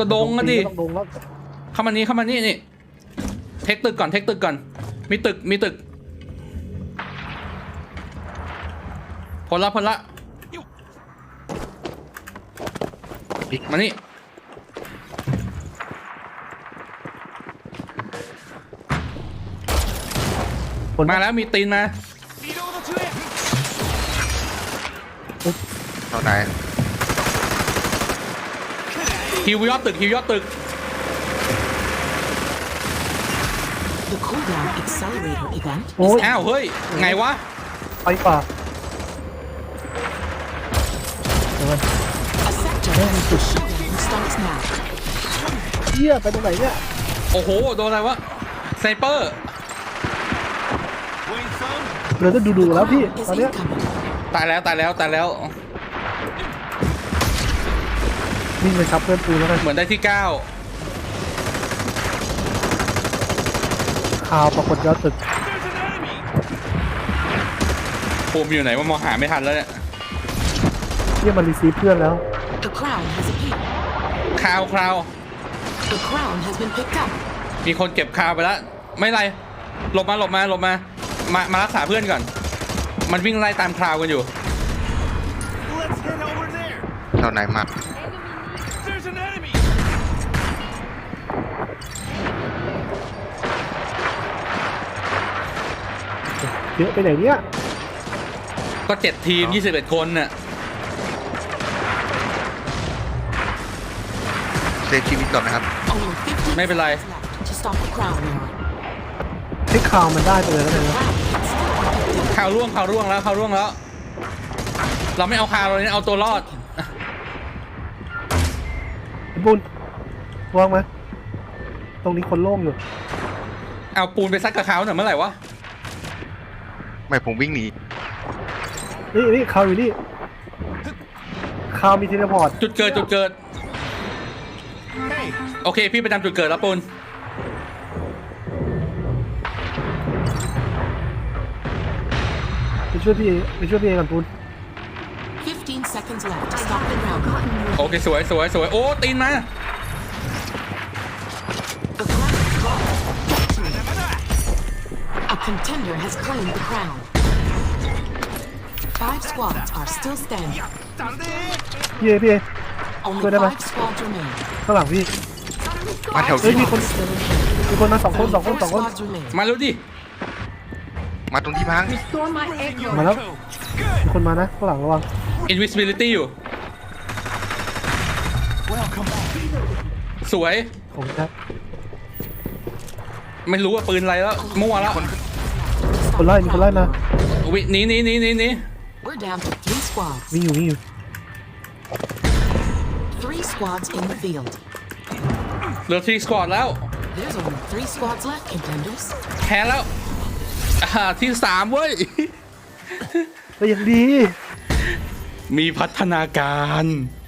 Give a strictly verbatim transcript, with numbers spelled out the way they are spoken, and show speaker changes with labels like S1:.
S1: ก็ดงอะดิ
S2: ต้องดงแล้ว
S1: เข้ามานี้เข้ามานี่นี่เทคตึกก่อนเทคตึกก่อนมีตึกมีตึกพลละพลละมานี่มาแล้วมีตีนมา
S3: เท่าไหน
S1: ฮิวยอดตึกฮิวยอดตึก
S4: The cooldown accelerator event
S2: โอ้ย
S1: อ้าวเฮ้ยไงวะ
S2: ไปป่าเดี๋ยวมัน
S4: A sector the showdown starts now
S2: เหี้ยไปตรงไหนเนี่ย
S1: โอ้โหโดนอะไรวะไซเปอร์
S2: เราจะดูดูแล้วพี่
S4: is
S2: ตอนเนี้ย
S4: incoming
S1: ตายแล้วตายแล้วตายแล้ว
S2: วิ่งไปครับเพื่อนปูแล้วกัน
S1: เหมือนได้ที่เก้า
S2: ข่าวปรากฏยอดตึก
S1: ภูมิอยู่ไหนว่ามองหาไม่ทันแล้วเนี่ย
S2: เยี่ยมันรีซีฟเพื่อนแล้ว
S4: The crown has appeared
S1: คราวคราว
S4: The crown has been picked up
S1: มีคนเก็บคราวไปแล้วไม่ไรหลบมาหลบมาหลบมามามารักษาเพื่อนก่อนมันวิ่งไล่ตามคราวกันอยู่
S3: เท่าไหนมาก
S2: เยอะไปไหนเนี่ย
S1: ก็เจ็ดทีมยี่สิบเอ็ดคนน่ะ
S3: เซฟชีวิตก่อนนะครับ
S4: Only fifty
S1: ไม่เป็นไร
S4: seconds left to stop the crown war
S2: ให้ข่าวมันได้ไปเลยแล้วกันนะ
S4: Crown can still protect
S1: ข่าวร่วงข่าวร่วงแล้วข่าวร่วงแล้ว เราไม่เอาข่าวเราเนี่ยเอาตัวรอด
S2: ไอ้บุญวางมาตรงนี้คนโล่งอยู่
S1: เอาปูนไปซัดกับเขาหน่อยเมื่อไหร่วะ
S3: ไม่ผมวิ่งหนี
S2: นี่นี่ข่าวอยู่นี่ข่าวมีเทเลพอร์ต
S1: จุดเกิดจุดเกิดโอเคพี่ประจำจุดเกิดแล้วปูน
S2: ไปช่วยพี่เอไปช่วยพี่เอก่อนปูน
S4: fifteen seconds left to stop the crown war
S1: โอเคสวยสวยสวยโอ้ตีนมา
S4: The crown A contender has claimed the crown Five squads are still standing
S2: พี่เอพี่เอ
S4: Only
S2: Good enough.
S4: five squads remain
S2: ข้างหลังพี่
S3: มาแถว
S2: เฮ้ย
S3: นี้
S2: มีคน
S4: Still in hand
S2: มีคนมาสองคน
S4: Only
S2: สองคน
S4: four
S2: สองคน
S4: squads remain
S1: มาแล้วดิ
S3: มาตรงที่พัง
S2: มาแล้วมีคนมานะข้างหลังระวัง
S1: invisibility อยู่สวย
S2: ผมครับ
S1: ไม่รู้ว่าปืนอะไรแล้วมั่วแล้ว
S2: คนไล่มีคนไล่มา
S1: วิหนีหนีหนีหนีหนี
S4: We're down to three squads
S2: วิ่งอยู่วิ่งอยู่
S4: Three squads in the field
S1: เหลือทีสควอตแล้ว
S4: There's only three squads left, contenders
S1: แพ้แล้วอ่าที่สามเว้ย
S2: แต่ยังดี
S1: มีพัฒนาการ